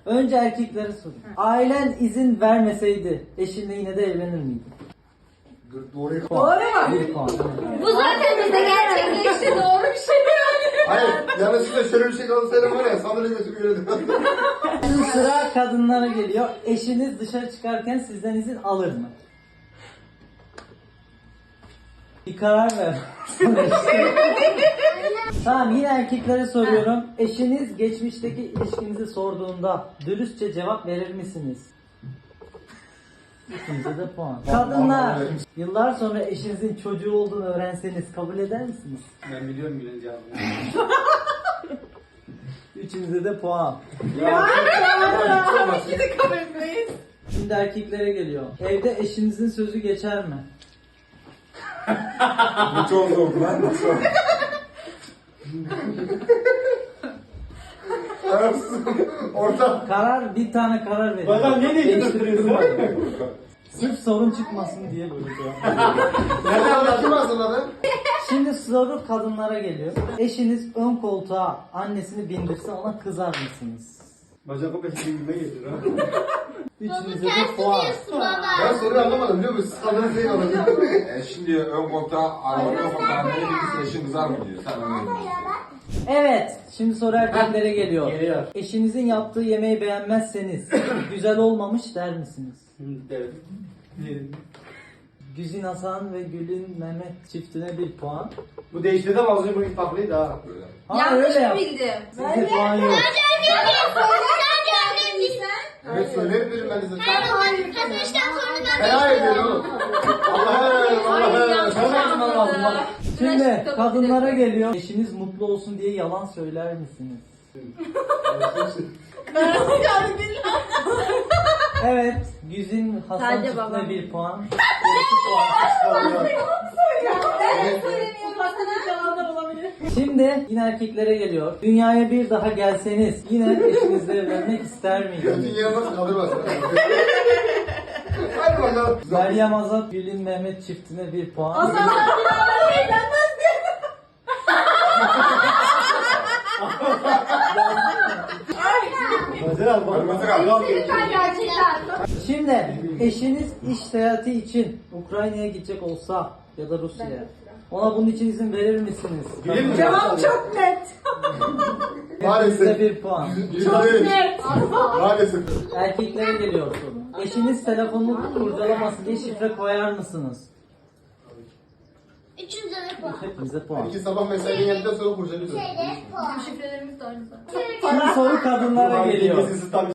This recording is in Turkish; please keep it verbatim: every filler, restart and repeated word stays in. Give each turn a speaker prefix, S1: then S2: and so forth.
S1: Önce erkeklere sorayım. Ailen izin vermeseydi eşinle yine de evlenir miydin?
S2: Doğru.
S1: Puan. Bir puan. Evet.
S3: Bu zaten bize gerçekleşti. Doğru bir şey yani.
S2: Hayır, yanlışlıkla şöyle bir şey kalsaydım var ya, sandalye götürüp yürüdüm.
S1: Şimdi sıra kadınlara geliyor. Eşiniz dışarı çıkarken sizden izin alır mı? Bir karar ver. Tamam, yine erkeklere soruyorum. Eşiniz geçmişteki ilişkinizi sorduğunda dürüstçe cevap verir misiniz? İkinize de puan. Kadınlar, yıllar sonra eşinizin çocuğu olduğunu öğrenseniz kabul eder misiniz?
S4: Ben biliyorum Gülen cevabını.
S1: Üçünüze de puan.
S3: İki de kabul etmeyiz.
S1: Şimdi erkeklere geliyor. Evde eşinizin sözü geçer mi?
S2: Bu çok zor lan, bu çok. Orta.
S1: Karar, bir tane karar verin.
S4: Bana ne değiştiriyorsun?
S1: Sırf sorun çıkmasın diye böyle cevap.
S2: Nereden anlatılmazsın lan?
S1: Şimdi soru kadınlara geliyor. Eşiniz ön koltuğa annesini bindirse ona kızar mısınız?
S4: Bacak peşinde gelir ha.
S1: Üçünüze de puan.
S2: Ben soruyu anlamadım biliyor musun? Sandalye şey alacağım.
S5: E şimdi ön koltuğa, arabanın ön koltuğa nereye bilirse eşin kızar mı diyor. Sen onu diyorsun.
S1: Evet, şimdi soru erkeklere geliyor.
S4: Geliyor.
S1: Eşinizin yaptığı yemeği beğenmezseniz güzel olmamış der misiniz?
S4: Evet.
S1: Güzin Hasan ve Gül'ün Mehmet çiftine bir puan.
S4: Bu değişti de az önce bu farklıydı ha.
S5: Böyle.
S1: Ha,
S3: Yanlış
S1: öyle
S3: mı
S1: yap.
S3: bildim?
S1: Size puan yok.
S2: Evet söylerim dedim ben de size.
S3: Kaçmışken
S2: Helal ediyorum oğlum. Allah'a emanet Allah'a
S4: Çok yazman lazım bak.
S1: Şimdi kadınlara geliyor. Eşiniz mutlu olsun diye yalan söyler misiniz? Evet, Güzin Hasan
S3: Sadece
S1: çiftine
S3: babam.
S1: bir puan. Gerisi puan. Şimdi yine erkeklere geliyor. Dünyaya bir daha gelseniz yine eşinizle evlenmek ister miydiniz?
S2: Dünya nasıl kaldırmaz? Hadi bakalım.
S1: Meryem Azat, Gül'ün Mehmet çiftine bir puan.
S4: Hazır al bak.
S5: Hazır al.
S1: Şimdi eşiniz iş seyahati için Ukrayna'ya gidecek olsa ya da Rusya'ya, ona bunun için izin verir misiniz?
S4: Bilir mi?
S3: Cevap çok net.
S2: Maalesef.
S1: Size bir puan.
S2: Çok
S3: Net.
S2: Maalesef.
S1: Erkeklere geliyor soru. Eşiniz telefonunu kurcalaması diye şifre koyar mısınız?
S3: Üçüncü de puan.
S1: Hepinize puan.
S2: İki sabah mesainin yanında sonra kurcalıyorsun.
S3: Şifrelerimiz de aynı zaten.
S1: Şimdi soru kadınlara geliyor.
S4: Sesi tabii.